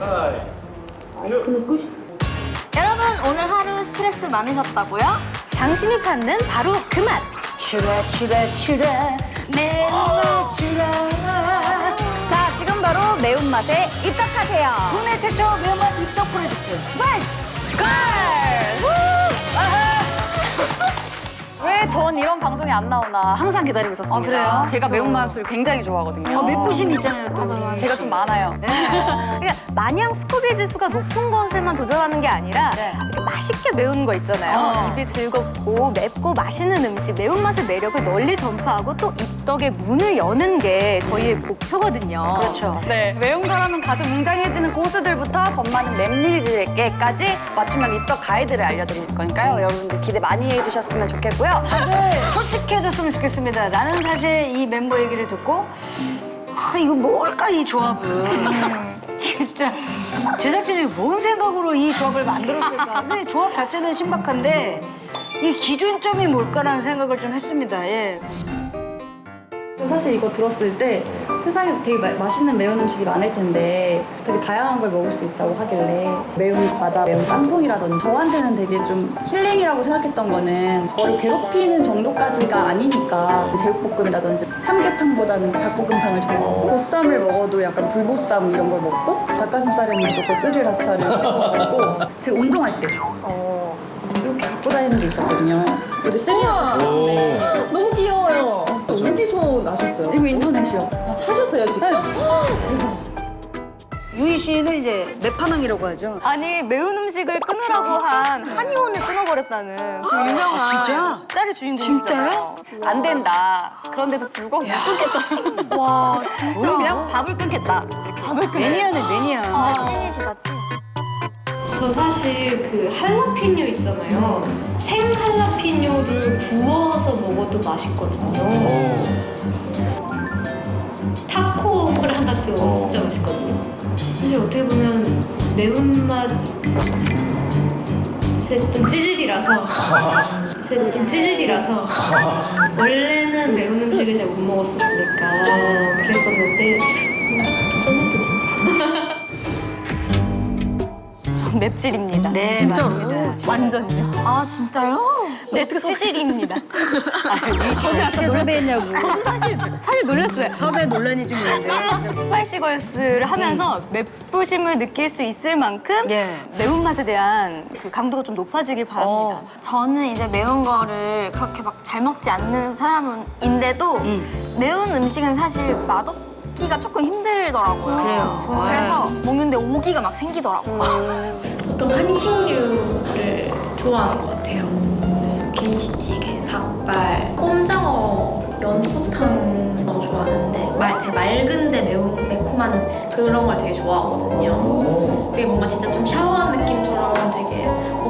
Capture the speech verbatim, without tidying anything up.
여러분 오늘 하루 스트레스 많으셨다고요? 당신이 찾는 바로 그 맛. 추라 추라 추라 매운맛 추라. 자, 지금 바로 매운맛에 입덕하세요. 국내 최초 매운맛 입덕 프로젝트 스파이스 걸! 왜 전 이런 방송이 안 나오나 항상 기다리고 있었습니다. 아, 그래요? 제가 매운맛을 굉장히 좋아하거든요. 어, 맵부심 있잖아요 또. 맞아, 제가 좀 많아요. 그러니까 마냥 스코빌 지수가 높은 것에만 도전하는 게 아니라 네. 이렇게 맛있게 매운 거 있잖아요. 어. 입이 즐겁고 맵고 맛있는 음식, 매운맛의 매력을 널리 전파하고 또 입덕의 문을 여는 게 저희의 목표거든요. 그렇죠. 네, 매운 거라면 가슴 웅장해지는 고수들부터 겁 많은 맵일이들에게까지 맞춤형 입덕 가이드를 알려드릴 거니까요. 여러분들 기대 많이 해주셨으면 좋겠고요. 다들 솔직해졌으면 좋겠습니다. 나는 사실 이 멤버 얘기를 듣고 아 이거 뭘까 이 조합은. 이게 진짜 제작진이 뭔 생각으로 이 조합을 만들었을까. 근데 조합 자체는 신박한데 이 기준점이 뭘까라는 생각을 좀 했습니다. 예. 사실 이거 들었을 때 세상에 되게 마, 맛있는 매운 음식이 많을 텐데 되게 다양한 걸 먹을 수 있다고 하길래 매운 과자, 매운 깐풍이라든지 저한테는 되게 좀 힐링이라고 생각했던 거는 저를 괴롭히는 정도까지가 아니니까 제육볶음이라든지 삼계탕보다는 닭볶음탕을 좋아하고 보쌈을 먹어도 약간 불보쌈 이런 걸 먹고 닭가슴살에는 무조건 스리라차를 찍어 먹고 되게 운동할 때 어, 이렇게 갖고 다니는 게 있었거든요. 여기 스리라차 있는데 너무 귀여워요. 어디서 나셨어요? 이거 인터넷이요. 아, 사셨어요, 직접? 대박. 유희 씨는 이제 매파망이라고 하죠. 아니 매운 음식을 끊으라고 한 한의원을 끊어버렸다는 그 유명한 아, 진짜? 짤의 주인공이잖아요. 안 된다. 그런데도 불구하고 못 끊겠다. 와 진짜. 우리 그냥 밥을 끊겠다. 밥을 끊네. 매니아네 매니아. 진짜 찐이시다 찐. 저 사실 그 할라피뇨 있잖아요. 생 할라피뇨를 구워서 먹어도 맛있거든요. 타코를 하나 찍어 먹으면 진짜 맛있거든요. 사실 어떻게 보면 매운맛에 좀 찌질이라서 좀 찌질이라서 원래는 매운 음식을 잘 못 먹었었으니까 그랬었는데 도전해보자. 맵찔입니다. 네, 맞습니다. 완전요. 아 진짜요? 네, 찌질입니다. 저도 아까 섭외했냐고. 저도 사실 사실 놀랐어요. 섭외 논란이 좀 있는데. 스파이시걸스를 하면서 맵부심을 느낄 수 있을 만큼 예. 매운맛에 대한 그 강도가 좀 높아지길 바랍니다. 어. 저는 이제 매운 거를 그렇게 막 잘 먹지 않는 사람인데도 매운 음식은 사실 맛없기가 조금 힘들더라고요. 그래요. 그래서 먹는데 오기가 막 생기더라고요. 보통 한식류를 좋아하는 것 같아요. 그래서 김치찌개, 닭발, 꼼장어, 연포탕 너무 좋아하는데 말, 제 맑은데 매운 매콤한 그런 걸 되게 좋아하거든요. 그게 뭔가 진짜 좀 샤워한 느낌처럼 되게